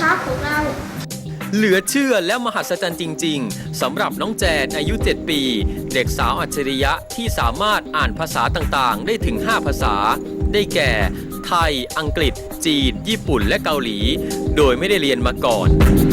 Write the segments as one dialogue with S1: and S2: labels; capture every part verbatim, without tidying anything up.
S1: ครับพวกเรา
S2: เหลือเชื่อและมหัศจรรย์จริงๆสำหรับน้องแจนอายุเจ็ดปีเด็กสาวอัจฉริยะที่สามารถอ่านภาษาต่างๆได้ถึงห้าภาษาได้แก่ไทยอังกฤษจีนญี่ปุ่นและเกาหลีโดยไม่ได้เรียนมาก่อน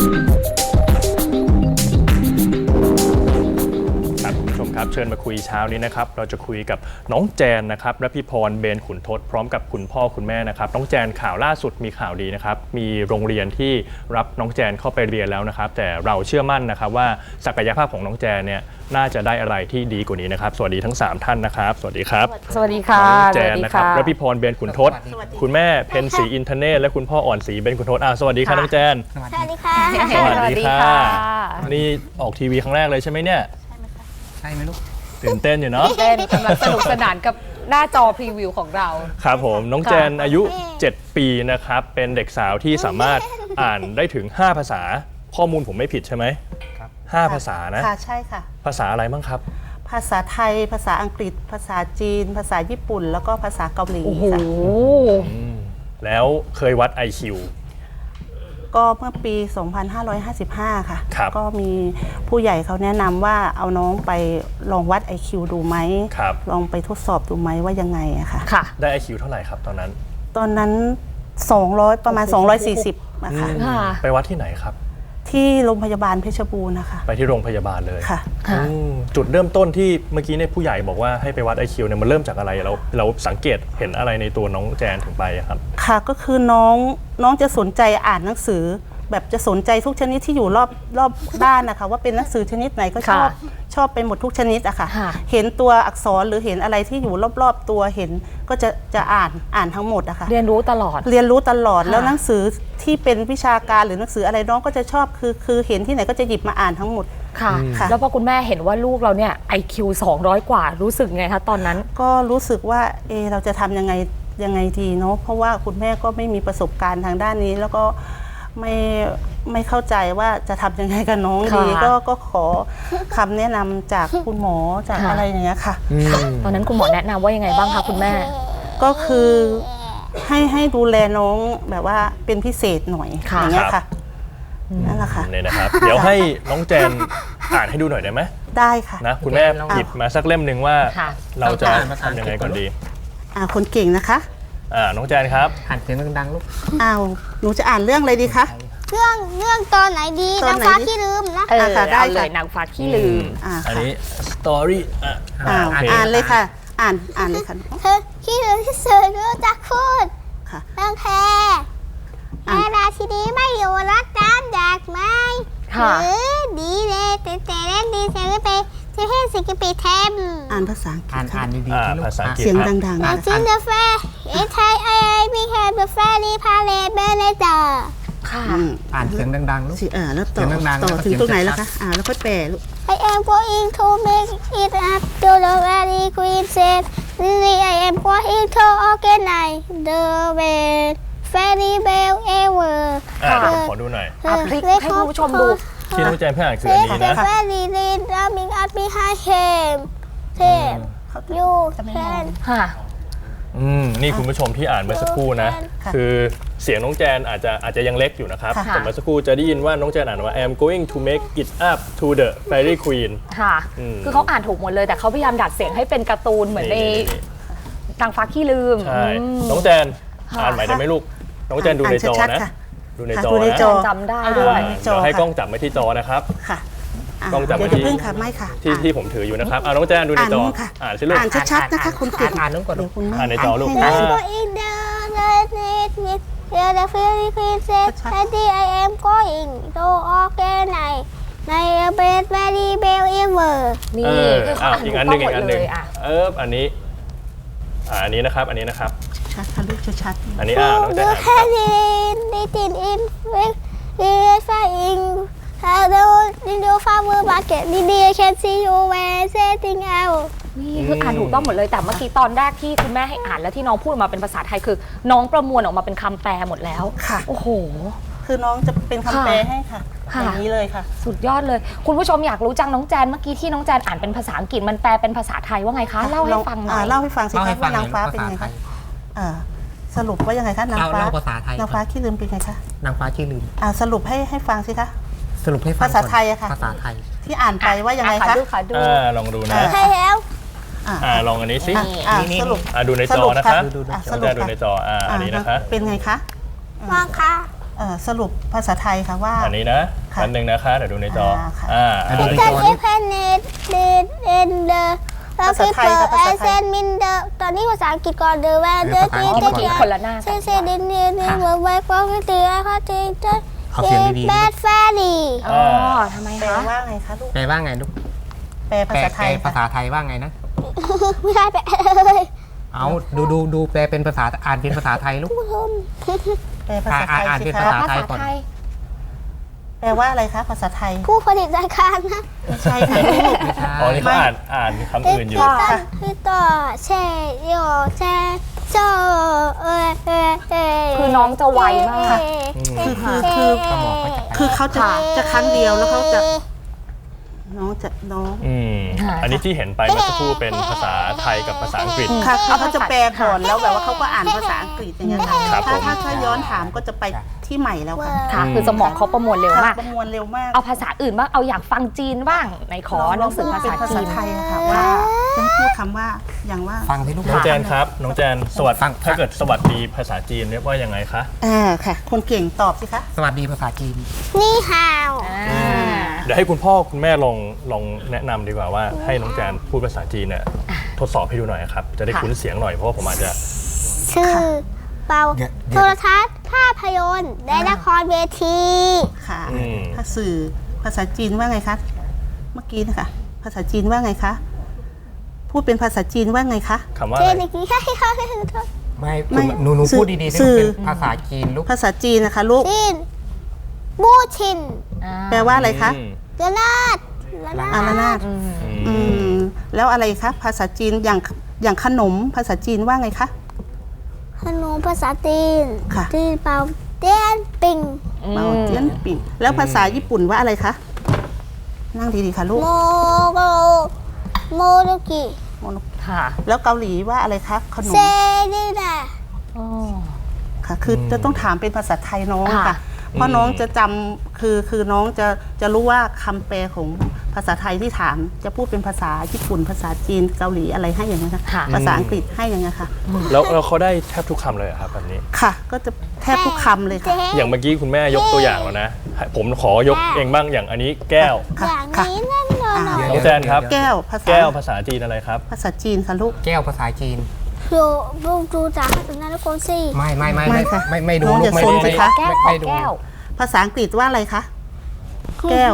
S3: ครับเชิญมาคุยเช้านี้นะครับเราจะคุยกับน้องแจนนะครับรพิพรเบญขุนทศพร้อมกับคุณพ่อคุณแม่นะครับน้องแจนข่าวล่าสุดมีข่าวดีนะครับมีโรงเรียนที่รับน้องแจนเข้าไปเรียนแล้วนะครับแต่เราเชื่อมั่นนะครับว่าศักยภาพของน้องแจนเนี่ยน่าจะได้อะไรที่ดีกว่านี้นะครับสวัสดีทั้งสามท่านนะครับสวัสดีครับ
S4: สวัสดีค่ะ
S3: น้องแจนนะครับรพิพรเบญขุนทศคุณแม่เพ็ญศรีอินทเนศและคุณพ่ออ่อนศรีเบญขุนทศอ่าสวัสดีค่ะน้องแจน
S1: สวัสดีค่ะ
S3: สวัสดีค่ะนี่ออกทีวีครั้งแรกเลยใช่ไหมเนี่ย
S5: ใช่ไหมลูก
S3: ตื่นเต้นอยู่เนาะ
S4: เต้นกำลังสนุกสนานกับหน้าจอพรีวิวของเรา
S3: ครับผมน้องแจนอายุเจ็ดปีนะครับเป็นเด็กสาวที่สามารถอ่านได้ถึงห้าภาษาข้อมูลผมไม่ผิดใช่ไหมครับห้าภาษานะ
S6: ค่ะใช่ค่ะ
S3: ภาษาอะไรบ้างครับ
S6: ภาษาไทยภาษาอังกฤษภาษาจีนภาษาญี่ปุ่นแล้วก็ภาษาเกาหลีค่ะ
S3: แล้วเคยวัด ไอ คิว
S6: ก็เมื่อปี สองพันห้าร้อยห้าสิบห้า ค่ะก็มีผู้ใหญ่เขาแนะนำว่าเอาน้องไปลองวัด ไอ คิว ดูไหมลองไปทดสอบดูไหมว่ายังไงอะค่ะ
S3: ได้ ไอ คิว เท่าไหร่ครับตอนนั้น
S6: ตอนนั้นสองร้อยประมาณสองร้อยสี่สิบอะค่ะ
S3: ไปวัดที่ไหนครับ
S6: ที่โรงพยาบาลเพชรบูรณ์นะคะ
S3: ไปที่โรงพยาบาลเลย
S6: ค่ะ
S3: จุดเริ่มต้นที่เมื่อกี้เนี่ยผู้ใหญ่บอกว่าให้ไปวัด ไอ คิว เนี่ยมันเริ่มจากอะไรเราเราสังเกตเห็นอะไรในตัวน้องแจนถึงไปครับ
S6: ค่ะก็คือน้องน้องจะสนใจอ่านหนังสือแบบจะสนใจทุกชนิดที่อยู่รอบรอบด้านนะคะว่าเป็นหนังสือชนิดไหนก็ชอบชอบไปหมดทุกชนิดอะค่ะเห็นตัวอักษรหรือเห็นอะไรที่อยู่รอบๆตัวเห็นก็จะจะอ่านอ่านทั้งหมดอะค่ะ
S4: เรียนรู้ตลอด
S6: เรียนรู้ตลอดแล้วหนังสือที่เป็นวิชาการหรือหนังสืออะไรน้องก็จะชอบคือคือเห็นที่ไหนก็จะหยิบมาอ่านทั้งหมด
S4: ค่ะแล้วพอคุณแม่เห็นว่าลูกเราเนี่ย ไอ คิว สองร้อยกว่ารู้สึกไงคะตอนนั้น
S6: ก็รู้สึกว่าเออเราจะทำยังไงยังไงดีเนาะเพราะว่าคุณแม่ก็ไม่มีประสบการณ์ทางด้านนี้แล้วก็ไม่ไม่เข้าใจว่าจะทำยังไงกับน้องดีก็ก็ขอคำแนะนำจากคุณหมอจากอะไรอย่างเงี้ยค่ะ
S4: ตอนนั้นคุณหมอแนะนำว่ายังไงบ้างคะคุณแม่
S6: ก็คือให้ให้ดูแลน้องแบบว่าเป็นพิเศษหน่อยอย่างเงี้ยค่ะนั่นแหละค่ะ
S3: เนี่ยนะครับเดี๋ยวให้น้องแจนอ่านให้ดูหน่อยได้ไหม
S6: ได้ค่ะ
S3: นะคุณแม่หยิบมาสักเล่มหนึ่งว่าเราจะทำยังไงก่อนดี
S6: อ่าคนเก่งนะคะ
S3: อ่าน้องแจนครับ
S5: อ่านเสียงดังๆลูก
S6: อ้าวหนูจะอ่านเรื่องอะไรดีคะ
S1: เรื่องเรื่องตอนไหนดีนางฟ้าขี้ลืมนะ
S4: เออได้เลยนางฟ้าขี้ลืม
S3: อันนี้สตอรี่อ่ะ
S6: อ่านเลยค่ะอ่านอ่านเลยค่ะ
S1: เธอขี้ลืมที่สุดรู้จักพูดเรื่องแพรแม่ราชินีไม่อยู่รักน้ำแดกไม้หรือดีเลยเตเตเล่นดีเซลไปเทเพนสิกิปีเทม
S6: อ่านภาษาอังกฤษ
S5: อ่านอ่านดี
S3: ๆภาษาอังกฤษ
S6: เสียงดังๆ
S1: นะจินเดอร์เฟย์อินไทยไอไอบีแคร์เดอะเฟรีพาเลตเบเนเจอร์
S4: ค่ะ
S5: อ่านเสียงดังๆลูก
S6: อ่าแล้วต่อต่อถึงตรงไหนแล้วคะอ่าแล้วค่อยแปลลูก
S1: I am going to make it up to the very queen said Lily I am going to organize the best fairy bell ever
S3: อ่าขอดูหน่อย
S4: ให้คุณผู้ชมดู
S3: ที่น้องแจนเพื่อนอ่านคืออันนี้นะ
S1: Fairy lead running up behind him him you can
S4: ค่ะ
S3: อืมนี่คุณผู้ชมที่อ่านเมื่อสักครู่นะคือเสียงน้องแจนอาจจะอาจจะยังเล็กอยู่นะครับแต่เมื่อสักครู่จะได้ยินว่าน้องแจนอ่านว่า I am going to make it up to the fairy queen
S4: ค่ะคือเขาอ่านถูกหมดเลยแต่เขาพยายามดัดเสียงให้เป็นการ์ตูนเหมือนในนางฟ้าขี้ลืม
S3: ใช่น้องแจนอ่านใหม่ได้ไหมลูกน้องแจนดูในจอนะดูในจอนะ
S4: จำได้ด้วย
S3: เดี๋ยวให้กล้องจับไว้ที่จอนะครับกล้องจับไว้ที่ที่ที่ผมถืออยู่นะครับเอาน้องแจนดูในจออ่านสิลูก
S6: อ่านชัดๆนะคะคุณเก่ง
S5: อ่านน้องก่อน
S3: อ่านในจอลูก
S1: The the fairy queen said, "Daddy, I am going to organize the best fairy bell ever."
S4: นี่
S3: อ่าอีกอันหนึ่งอีกอันหนึ่งเอออันนี้อ่าอันนี้นะครับอันนี้นะครับ
S6: ชัดค่ะลูกชัด
S3: อันนี้อ่าน้องแจนอ่านครับ
S1: Little in with flying hello in the farmer market Didi I can see you when setting out
S4: นี่คืออ่านถูกต้องหมดเลยแต่เมื่อกี้ตอนแรกที่คุณแม่ให้อ่านแล้วที่น้องพูดมาเป็นภาษาไทยคือน้องประมวลออกมาเป็นคำแปลหมดแล้ว
S6: ค่ะ
S4: โอ้โห
S6: คือน้องจะเป็นคำแปลให้ค่ะอย่างนี้เลยค่ะ
S4: สุดยอดเลยคุณผู้ชมอยากรู้จังน้องแจนเมื่อกี้ที่น้องแจนอ่านเป็นภาษาอังกฤษมันแปลเป็นภาษาไทยว่าไงคะเล่าให้ฟังหน่อย
S6: เล่าให้ฟังสิคะว่านางฟ้าเป็นไงคะสรุปว่ายังไงคะนาง
S5: เล่า
S6: ฟ้า
S5: เล่าภาษาไทย
S6: นางฟ้าขี้ลืมเป็นไงคะ
S5: นางฟ้าขี้ลืม
S6: อ่าสรุปให้ให้ฟังสิคะ
S5: สรุปให้ฟัง
S6: ภาษาไทยอะค่ะ
S5: ภาษาไทย
S6: ที่อ่านไปว่ายังไง
S4: อ่ะ
S6: คะ
S4: ดูค่ะดู
S3: อ่าลองดูนะ
S6: อ่า
S1: ใช่แล้ว
S6: อ่า
S3: อ่าลองอันนี้สิ
S6: อ่ะอ่า
S5: นี่
S6: สรุป
S3: อ่าดูใน
S6: ส
S3: จอ
S6: รุป
S3: นะคะ
S6: ดูดู
S3: น้
S6: ส
S3: อง
S6: รุ
S3: แจ
S6: ป
S3: นดูในจออ่าอันนี้นะคะ
S6: เป็นไงคะ
S1: ว่างค่ะ
S6: เอ่อสรุปภาษาไทยค่ะว่า
S3: อันนี้นะ
S6: ค่ะ
S3: อันหนึ่งนะคะเดี๋ยวดูในจอ
S6: อ่าค่ะ
S3: อ่า
S5: อ่ะดูใน
S1: แต่ที่เพนเนตเดนเอ็นเดอร์แล้วที่เปิดไอเซนมินเดอร์ตอนนี้ภาษาอังกฤษก่อนเดอร์แวนเดอร์ที่
S4: อ๋อ
S1: เด็
S4: เมื่อกี้คนละหน้า
S1: เซ
S4: กัน
S1: เซดินเนียนี่เวิร์กไว้กว้างที่ตีเขาจริงจัง
S5: เอาเสียงดีๆ
S1: แบดแฟรี่
S4: อ๋อทำไม
S6: แปล
S4: คะ
S6: ว่าไงคะลูก
S5: แปลว่าไงลูก
S6: แปลภา
S5: แปล
S6: ษาไทย
S5: แปลภาษาไทยว่าไงนะ
S1: ไม่ได้แปลเลย
S5: เอาดูดูดูแปลเป็นภาษาอ่านเป็นภาษาไทยลูก
S1: ผู้ชม
S6: แปลภาษาไทย
S5: อ่าน
S6: สิ
S5: เป็น
S6: คะ
S5: ภาษา
S4: ภาษาไทย
S6: แปลว่าอะไรคะภาษาไทย
S1: ผู้ผลิตรายการนะ
S6: ไม่ใช่ค่ะลูก
S5: ไม่ใช่
S3: อ๋อนี่เขาอ่านอ่านคำอื่นอยู่
S1: พี่ต้นพี่ต่อเชยโยเชโจเอเอเอ
S4: คือน้องจะไวมาก
S6: คือคือคือ
S5: สมองเขาจะไป
S6: คือเขาจะจะครั้งเดียวแล้วเขาจะน้องจะน้อง
S3: อืม
S4: ค่ะ
S3: อันนี้ที่เห็นไปเมื่อสักครู่เป็นภาษาไทยกับภาษาอังกฤษ
S6: ค่ะคือเขาจะแปลก่อนแล้วแบบว่าเขาก็อ่านภาษาอังกฤษอย่างเงี้ยค่ะ
S3: ครับ
S6: ถ้า
S3: ผม
S6: ถ้าถ้าย้อนถามก็จะไปที่ใหม่แล้วค่ะ
S4: ค่ะ คือสมองเขาประมวลเร็ว
S6: ค่ะ
S4: มาก
S6: ประมวลเร็วมาก
S4: เอาภาษาอื่นบ้างเอาอยากฟังจีนบ้างในขอหนังสือภาษา
S6: เป็นภา
S4: จี
S6: ษาน ไทยอะค่ะว่าต้องพูดคำว่าอย่างว่า
S5: ฟังที่ลูก
S3: น้องแจนครับ น้องแจนสวัส
S5: ฟั
S3: ดี
S5: ง
S3: ถ้าเกิดสวัสดีภาษาจีนเรียกว่ายังไงคะ
S6: อ่าค่ะ คนเก่งตอบสิคะ
S5: สวัสดีภาษาจีน
S1: นี่ฮาว
S4: อ่า
S3: เดี๋ยวให้คุณพ่อคุณแม่ลองลองแนะนำดีกว่าว่าให้น้องแจนพูดภาษาจีนเนี่ยทดสอบให้ดูหน่อยครับ จะได้คุ้นเสียงหน่อยเพราะว่าผมอาจจะ
S1: ชื่อเปา
S5: เดี๋ยว
S1: โทรทัศน์ภาพยนตร์และละครเวที
S6: ค่ะ
S3: อืม
S6: ถ้าสื่อภาษาจีนว่าไงคะเมื่อกี้นะคะภาษาจีนว่าไงคะพูดเป็นภาษาจีนว่าไงคะ
S3: คำว่า
S1: เจ
S3: อะไร
S1: นอีกทีให้เขาให้เขา
S5: ไม่
S6: ไม่
S5: หนูหนู
S6: สื่อ
S5: พูดดีๆที่
S6: สื่
S5: ลูก
S6: อ
S5: เป็นภาษาจีนลูก
S6: ภาษาจีนนะคะลูก
S1: จีนบูชิน
S6: แปลว่าอะไรคะ
S3: อืม
S1: เดนาดละนา
S6: อา
S1: ด
S6: รานาด
S3: อื
S6: อื
S3: ม
S6: มแล้วอะไรคะภาษาจีนอย่างอย่างขนมภาษาจีนว่าไงคะ
S1: ขนมภาษาจีน
S6: ค่ะ
S1: จีนเปาเตี้ยนปิง
S6: เปาเจียนปิ่งแล้วภาษาญี่ปุ่นว่าอะไรคะนั่งดีๆค่ะลูก
S1: โมโกโมโดกิ
S4: ค่ะ
S6: แล้วเกาหลีว่าอะไรคะขนม
S1: เซดิดา
S4: อ๋อ
S6: ค่ะ คือจะต้องถามเป็นภาษาไทยน้อง
S4: ค่ะ
S6: ค่ะ เพราะน้องจะจำคือคือน้องจะจะรู้ว่าคำแปลของภาษาไทยที่ถาม จะพูดเป็นภาษาญี่ปุ่น ภาษาจีนเกาหลีอะไรให้อย่างนี้นค่ะ
S4: ค่ะ
S6: ภาษาอังกฤษให้อย่างนี้นค่ะ
S3: แล้วแล้วเขาได้แทบทุกคำเลยเหรอครับแบบนี้
S6: ค่ะ ก็จะแทบทุกคำเลยค่ะ
S3: อย่างเมื่อกี้คุณแม่ยกตัวอย่างแล้วนะ ผมขอยกเองบ้างอย่างอันนี้แก้ว
S6: ค่ะ
S1: อย่าง
S6: ค่ะ
S1: นี้นั่นนอน
S6: อ่า
S3: น้องแจนครับ
S6: แก้วภาษา
S3: แก้วภาษาจีนอะไรครับ
S6: ภาษาจีนค่ะลูก
S5: แก้วภาษาจีน
S1: โยลูกดูจากตุนาทุกคนสิ
S5: ไม่ไม่ไม่
S6: ไม่
S5: ไม่
S6: ค่ะ
S5: ไม่ไม่ดู
S6: น้อง
S5: ลู
S6: อย่าก
S5: ไม่
S6: ซน
S5: ดู
S6: สิคะ
S4: แก้วขอ
S5: ไม่ดู
S4: แก้ว
S6: ภาษาอังกฤษว่าอะไรคะ แก้ว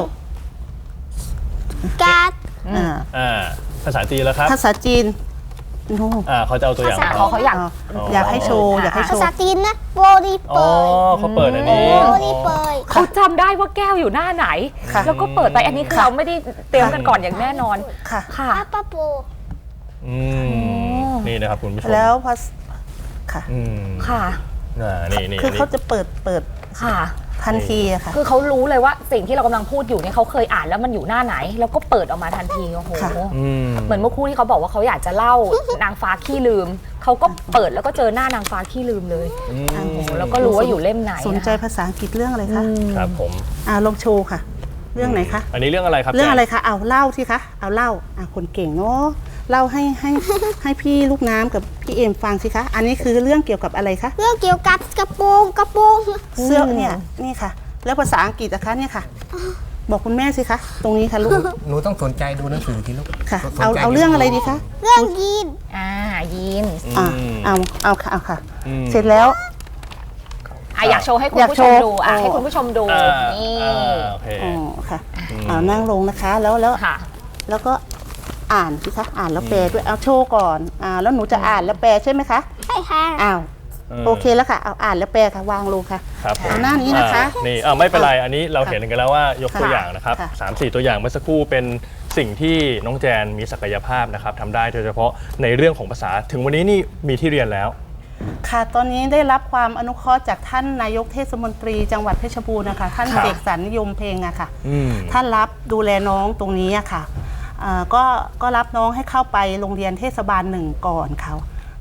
S1: การ์ด
S6: อ่า
S3: อ่า ภาษาจีนแล้วครับ
S6: ภาษาจีนโน้
S3: อ่าเขาจะเอาตัวอย่าง
S4: ภาษา
S3: มา
S4: เขาเขาอยาก
S6: อยากให้โชว์ อยากให้โช
S1: ภา
S6: ว์
S1: ษาจีนนะโบดี
S3: อ๋
S1: เป
S3: อย เขาเปิดอันนี้
S1: โบดีเปย
S4: เขาจำได้ว่าแก้วอยู่หน้าไหน
S6: ค่ะ
S4: แล้วก็เปิดไปอันนี้คือเราไม่ได้เตรียมกันก่อนอย่างแน่นอน
S6: ค่ะ
S4: ค่ะ
S1: อาปาโป
S3: อืมนี่นะครับคุณผู้ชม
S6: แล้วภาษาค่ะ
S3: อืม
S4: ค่ะ
S3: อ่านี่นี่
S6: คือ
S3: นี่
S6: เขาจะเปิดเปิด
S4: ค่ะ
S6: ทันทีอะค่ะ
S4: คือเขารู้เลยว่าสิ่งที่เรากำลังพูดอยู่เนี่ยเขาเคยอ่านแล้วมันอยู่หน้าไหน แล้วก็เปิดออกมาทันทีโอ้โห
S6: ค่ะ
S3: อืม
S4: เหมือนเมื่อครู่ที่เขาบอกว่าเขาอยากจะเล่า นางฟ้าขี้ลืม เขาก็เปิดแล้วก็เจอหน้านางฟ้าขี้ลืมเลย
S3: อืม
S4: โอ้โหแล้วก็รู้ว่าอยู่เล่มไหน
S6: สนใจภาษาอังกฤษเรื่องอะไรคะ
S3: ครับผม
S6: อ่าลองโชว์ค่ะ เรื่องไหนคะ
S3: อันนี้เรื่องอะไรครับ
S6: เรื่องอะไร
S3: แจ
S6: คะ เอาเล่าที่คะ เอาเล่า อ่ะคนเก่งเนาะ เล่าให้ให้ ให้พี่ลูกน้ำกับพี่เอ็มฟังสิคะ อันนี้คือเรื่องเกี่ยวกับอะไรคะ
S1: เรื่องเกี่ยวกับกระโปรงกระโปรง
S6: เสื้อเนี่ย นี่ค่ะ แล้วภาษาอังกฤษนะคะเนี่ยค่ะ บอกคุณแม่สิคะ ตรงนี้ค่ะลูก
S5: หนูต้องสนใจดูหนังสือที่ลูก
S6: ค่ะ
S5: สนใจ
S6: เอาเอาเรื่องอะไรดีคะ
S1: เรื่องยีน
S4: อ่ายีน
S6: อ่า
S3: ม
S6: เอา เอาค่ะ เอาค่ะ
S3: อืม
S6: เสร็จแล้ว
S4: อ่ะอยากโชว์ให้คุณ
S6: อยาก
S4: ผู้
S6: โช
S4: ชม
S6: ว์
S4: ดูอ่ะ
S6: อ๋อ
S4: ให้คุณผู้ชมดู
S3: อ่า
S4: นี่
S3: อ่าโอเค
S6: อ๋อ ค่ะ
S3: อืม
S6: เอานั่งลงนะคะ แล้วแล้ว
S4: ค่ะ
S6: แล้วก็อ่านสิคะ อ่านแล้วแปลด้วย เอาโชว์ก่อน อ่า แล้วหนูจะอ่านแล้วแปลใช่ไหมคะ
S1: ใช่ค่ะ
S6: อ้าว โอเคแล้วค่ะ เอาอ่านแล้วแปลค่ะ วางลงค่ะ
S3: ครับผม
S6: เอาหน้านี้นะคะ
S3: อ่านี่อ่าไม่เป็นไร อันนี้เราเห็นกันแล้วว่ายกตัว
S6: ค่ะ
S3: อย่างนะครับ
S6: ค่ะ
S3: สามสี่ตัวอย่างเมื่อสักครู่เป็นสิ่งที่น้องแจนมีศักยภาพนะครับทำได้โดยเฉพาะในเรื่องของภาษา ถึงวันนี้นี่มีที่เรียนแล้ว
S6: ค่ะ ตอนนี้ได้รับความอนุเคราะห์จากท่านนายกเทศมนตรีจังหวัดเพชรบูรณ์นะคะ ท่าน
S3: ครับ
S6: เสกสรรยมเพลงอะค่ะ
S3: อืม
S6: ท่านรับดูแลน้องตรงนี้อะค่ะเอ่อก็ก็รับน้องให้เข้าไปโรงเรียนเทศบาลหนึ่งก่อนเขา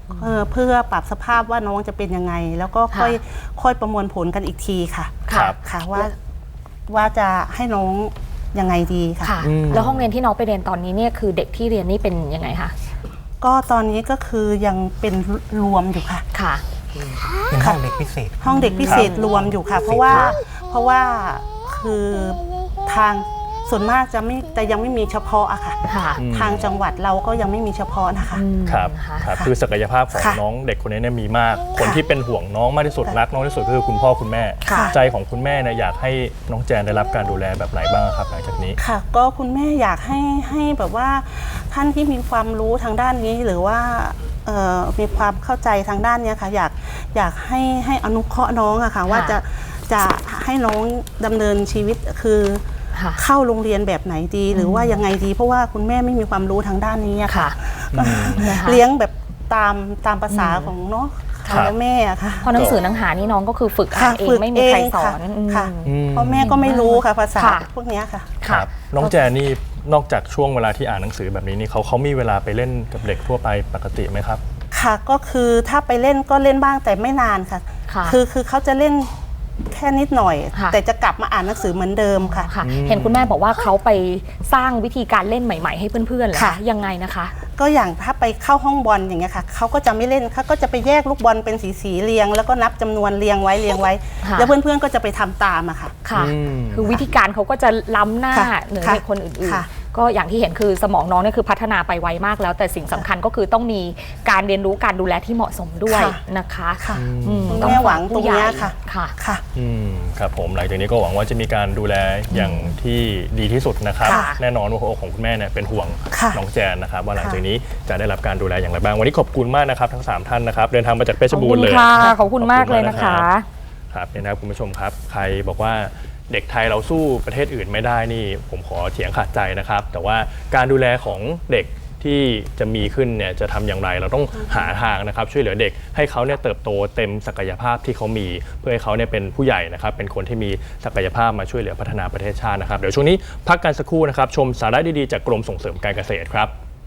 S6: เออเพื่อปรับสภาพว่าน้องจะเป็นยังไง แล้วก็ค่อยค่อยประมวลผลกันอีกทีค่ะ
S3: ครับ
S6: ค่ะว่าว่าจะให้น้องยังไงดีค่ะ
S4: ค่ะ แล้วห้องเรียนที่น้องไปเรียนตอนนี้เนี่ยคือเด็กที่เรียนนี่เป็นยังไงคะ
S6: ก็ตอนนี้ก็คือยังเป็นรวมอยู่ค่ะ
S4: ค่ะ
S5: เป็นห้องเด็กพิเศษ
S6: ห้องเด็กพิเศษรวมอยู่ค่ะ เพราะว่าเพราะว่าคือทางส่วนมากจะไม่แต่ยังไม่มีเฉพาะอะค่ะ
S4: ค่ะ
S6: ทางจังหวัดเราก็ยังไม่มีเฉพาะนะคะ
S3: ครับ
S4: ค่ะ
S3: ครับคือศักยภาพของ
S6: ค่ะ
S3: น้องเด็กคนนี้เนี่ยมีมาก คนที่เป็นห่วงน้องมากที่สุดรักน้องที่สุดก็คือคุณพ่อคุณแม่
S6: ค่ะ
S3: ใจของคุณแม่เนี่ยอยากให้น้องแจนได้รับการดูแลแบบไหนบ้างครับหลังจากนี้
S6: ค่ะ ก็คุณแม่อยากให้ให้แบบว่าท่านที่มีความรู้ทางด้านนี้หรือว่าเอ่อมีความเข้าใจทางด้านเนี้ยค่ะ อยากอยากให้ให้อนุเคราะห์น้องอะค่ะว่าจะจะให้น้องดำเนินชีวิตคือ
S4: ค่ะ
S6: เข้าโรงเรียนแบบไหนดี หรือว่ายังไงดี เพราะว่าคุณแม่ไม่มีความรู้ทางด้านนี้อะค่ะ
S4: ค่ะ นะคะ
S6: เลี้ยงแบบตามตามภาษาของเนาะ
S3: ครับ
S6: ทางแม่อะค่ะ
S4: เพราะหนังสือหนังหานี่น้องก็คือฝึกอ่านเอง
S6: ฝึก
S4: ไม่มีใครสอน
S6: เง
S4: อืม
S6: ค่ะ
S3: อืม
S6: เพราะแม่ก็ไม่รู้ค่ะภาษา
S4: ค่ะ
S6: พวกเนี้ยค่ะ
S3: ครับน้องแจนนี่นอกจากช่วงเวลาที่อ่านหนังสือแบบนี้นี่เขาเขามีเวลาไปเล่นกับเด็กทั่วไปปกติไหมครับ
S6: ค่ะก็คือถ้าไปเล่นก็เล่นบ้างแต่ไม่นานค่ะ
S4: ค่ะ
S6: คือคือเขาจะเล่นแค่นิดหน่อย
S4: ค่ะ
S6: แต่จะกลับมาอ่านหนังสือเหมือนเดิมค่ะ
S4: ค่ะ เห็นคุณแม่บอกว่าเขาไปสร้างวิธีการเล่นใหม่ ๆ ให้เพื่อนๆเหรอ
S6: ค่ะ
S4: คะยังไงนะคะ
S6: ก็อย่างถ้าไปเข้าห้องบอลอย่างเงี้ยค่ะเขาก็จะไม่เล่นเขาก็จะไปแยกลูกบอลเป็นสีสีๆเรียง แล้วก็นับจำนวนเรียงไว้เรียงไว้
S4: ค่ะ
S6: แล้วเพื่อนๆก็จะไปทำตามอะค่ะ
S4: ค่ะ
S3: อืม
S4: คือวิธีการเขาก็จะล้ำหน้า
S6: ค่ะ
S4: เหนือ
S6: ค่ะ
S4: เด็กคนอื่น
S6: ค่ะ
S4: ๆ ก็อย่างที่เห็นคือสมองน้องเนี่ยคือพัฒนาไปไวมากแล้ว แต่สิ่งสำคัญก็คือต้องมีการเรียนรู้การดูแลที่เหมาะสมด้วย
S6: ค่ะ
S4: นะคะ
S6: ค่ะ
S4: อืม
S6: คุณ
S4: ต้อ
S6: แม่หวั
S4: ฝาก
S6: งตร
S4: ผู้
S6: ง
S4: ใหญ่
S6: เนี้ยค่ะ
S4: ค่ะ
S6: ค่ะ
S3: อืมครับผมหลังจากนี้ก็หวังว่าจะมีการดูแลอย่างที่ดีที่สุดนะครับ
S4: ค่ะ
S3: แน่นอนว่าหัวอกของคุณแม่เนี่ยเป็นห่วง
S6: ค่ะ
S3: น้องแจนนะครับว่าหลังจากนี้จะได้รับการดูแลอย่างไรบ้างวันนี้ขอบคุณมากนะครับทั้งสามท่านนะครับเดินทางมาจากเพชรบูรณ์เลย
S4: ขอบคุณค่ะขอบคุณมากเลยนะคะ
S3: ครับเนี่ยนะครับคุณผู้ชมครับใครบอกว่าเด็กไทยเราสู้ประเทศอื่นไม่ได้นี่ผมขอเถียงขาดใจนะครับ แต่ว่าการดูแลของเด็กที่จะมีขึ้นเนี่ยจะทำอย่างไรเราต้องหาทางนะครับช่วยเหลือเด็กให้เขาเนี่ยเติบโตเต็มศักยภาพที่เขามีเพื่อให้เขาเนี่ยเป็นผู้ใหญ่นะครับเป็นคนที่มีศักยภาพมาช่วยเหลือพัฒนาประเทศชาตินะครับเดี๋ยวช่วงนี้พักกันสักครู่นะครับชมสาระดีๆจากกรมส่งเสริมการเกษตรครับ